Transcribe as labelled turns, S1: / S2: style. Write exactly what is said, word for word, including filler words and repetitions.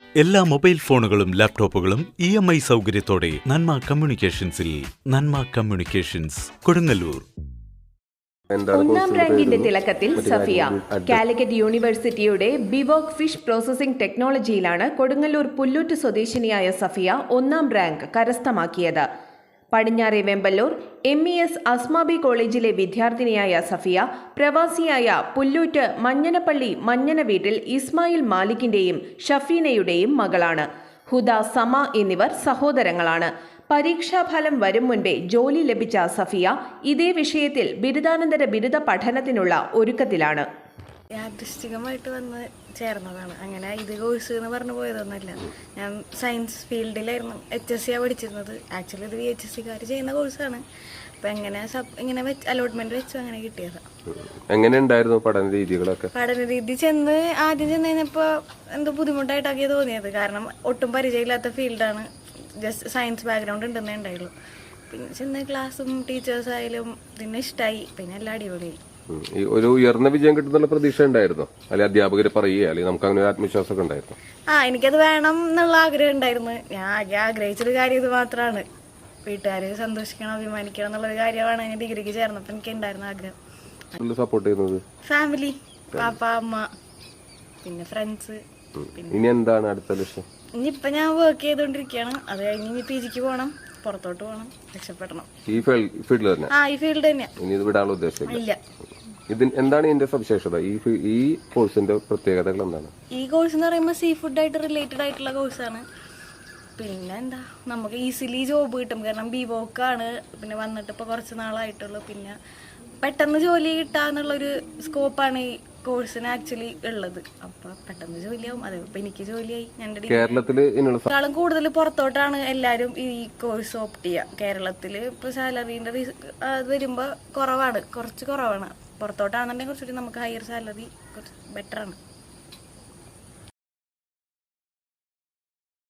S1: എല്ലാ മൊബൈൽ ഫോണുകളും ലാപ്ടോപ്പുകളും ഇ എം ഐ സൗകര്യത്തോടെ നന്മ കമ്മ്യൂണിക്കേഷൻസിൽ. നന്മ കമ്മ്യൂണിക്കേഷൻസ്, കൊടുങ്ങല്ലൂർ.
S2: ഒന്നാം റാങ്കിന്റെ തിളക്കത്തിൽ സഫിയ. കാലിക്കറ്റ് യൂണിവേഴ്സിറ്റിയുടെ ബിവോക് ഫിഷ് പ്രോസസിംഗ് ടെക്നോളജിയിലാണ് കൊടുങ്ങല്ലൂർ പുല്ലൂറ്റ് സ്വദേശിനിയായ സഫിയ ഒന്നാം റാങ്ക് കരസ്ഥമാക്കിയത്. പടിഞ്ഞാറെ Vemballur M E S Asmabi കോളേജിലെ വിദ്യാർത്ഥിനിയായ സഫിയ പ്രവാസിയായ പുല്ലൂറ്റ് മഞ്ഞനപ്പള്ളി മഞ്ഞന വീട്ടിൽ ഇസ്മായിൽ മാലിക്കിന്റെയും ഷഫീനയുടെയും മകളാണ്. ഹുദ, സമ എന്നിവർ സഹോദരങ്ങളാണ്. പരീക്ഷാഫലം വരും മുൻപേ ജോലി ലഭിച്ച സഫിയ ഇതേ വിഷയത്തിൽ ബിരുദാനന്തര ബിരുദ പഠനത്തിനുള്ള ഒരുക്കത്തിലാണ്.
S3: യാദൃശ്ചികമായിട്ട് വന്ന് ചേർന്നതാണ്. അങ്ങനെ ഇത് കോഴ്സ് എന്ന് പറഞ്ഞു പോയതൊന്നുമല്ല. ഞാൻ സയൻസ് ഫീൽഡിലായിരുന്നു എച്ച് എസ് സിയാണ് പഠിച്ചിരുന്നത്. ആക്ച്വലി ഇത് വി എച്ച് എസ് സിക്കാർ ചെയ്യുന്ന കോഴ്സാണ്. അപ്പം എങ്ങനെ ഇങ്ങനെ വെച്ച് അലോട്ട്മെന്റ് വെച്ചു അങ്ങനെ കിട്ടിയതാണ്.
S4: എങ്ങനെ ഉണ്ടായിരുന്നു പഠന രീതികളൊക്കെ?
S3: പഠന രീതി ചെന്ന് ആദ്യം ചെന്ന് കഴിഞ്ഞപ്പോൾ എന്തോ ബുദ്ധിമുട്ടായിട്ടൊക്കെ തോന്നിയത്. കാരണം ഒട്ടും പരിചയമില്ലാത്ത ഫീൽഡാണ്. ജസ്റ്റ് സയൻസ് ബാക്ക്ഗ്രൗണ്ട് ഉണ്ടെന്നേ ഉണ്ടായുള്ളൂ. പിന്നെ ചെന്ന് ക്ലാസ്സും ടീച്ചേഴ്സായാലും പിന്നെ ഇഷ്ടമായി. പിന്നെ എല്ലാം അടിപൊളിയായി.
S4: ഒരു ഉയർന്ന വിജയം കിട്ടുന്നുള്ള പ്രതീക്ഷ ഉണ്ടായിരുന്നോ? അല്ലെ അധ്യാപകർ പറയുക, അല്ലെങ്കിൽ നമുക്ക് അങ്ങനെ ഒരു ആത്മവിശ്വാസമൊക്കെ ഉണ്ടായിരുന്നു?
S3: ആ, എനിക്കത് വേണം എന്നുള്ള ആഗ്രഹം ഉണ്ടായിരുന്നു. ഞാൻ ആകെ ആഗ്രഹിച്ചൊരു കാര്യം ഇത് മാത്രമാണ്. വീട്ടുകാരെ സന്തോഷിക്കണം, അഭിമാനിക്കണം എന്നുള്ളൊരു കാര്യമാണ് ഞാൻ ഡിഗ്രിക്ക് ചേർന്നപ്പോൾ എനിക്ക് ഉണ്ടായിരുന്ന ആഗ്രഹം.
S4: സപ്പോർട്ട് ചെയ്യുന്നത്
S3: ഫാമിലി, പാപ്പ, അമ്മ, പിന്നെ ഫ്രണ്ട്സ്.
S4: ഇനി എന്താണ് അടുത്ത ലക്ഷ്യം?
S3: ഇനിയിപ്പൊ ഞാൻ വർക്ക് ചെയ്തോണ്ടിരിക്കുകയാണ്. അത് കഴിഞ്ഞ് ഇനി പി ജിക്ക് പോകണം, പുറത്തോട്ട് പോകണം, രക്ഷപ്പെടണം.
S4: ഈ ഫീൽഡിൽ തന്നെ?
S3: ആ, ഈ ഫീൽഡ് തന്നെയാ.
S4: ഇനി ഇത് വിടാനുള്ള ഉദ്ദേശം
S3: ഇല്ല.
S4: ഇതിന് എന്താണ് ഇതിന്റെ സവിശേഷത? ഈ ഈ കോഴ്സിന്റെ പ്രത്യേകതകൾ എന്താണ്?
S3: ഈ കോഴ്സ് എന്ന് പറയുമ്പോൾ സീ ഫുഡ് ആയിട്ട് റിലേറ്റഡ് ആയിട്ടുള്ള കോഴ്സാണ്. പിന്നെ എന്താ, നമുക്ക് ഈസിലി ജോബ് കിട്ടും. കാരണം ബി വോക്കാണ്. പിന്നെ വന്നിട്ട് ഇപ്പോൾ കുറച്ച് നാളായിട്ടുള്ളൂ. പിന്നെ പെട്ടെന്ന് ജോലി കിട്ടാന്നുള്ളൊരു സ്കോപ്പാണ് ഈ കോഴ്സിന് ആക്ച്വലി ഉള്ളത്. അപ്പൊ പെട്ടെന്ന് ജോലിയാവും. അതെ, ഇപ്പൊ എനിക്ക് ജോലിയായി. ഞങ്ങളുടെ കേരളത്തിലും കൂടുതൽ പുറത്തോട്ടാണ് എല്ലാരും ഈ കോഴ്സ് ഓപ്റ്റ് ചെയ്യുക. കേരളത്തില് ഇപ്പൊ സാലറിന്റെ വരുമ്പോ കുറവാണ്, കുറച്ച് കുറവാണ്. പുറത്തോട്ടാണെന്നുണ്ടെങ്കിൽ കുറച്ചുകൂടി നമുക്ക് ഹയർ സാലറി കുറച്ച് ബെറ്റർ ആണ്.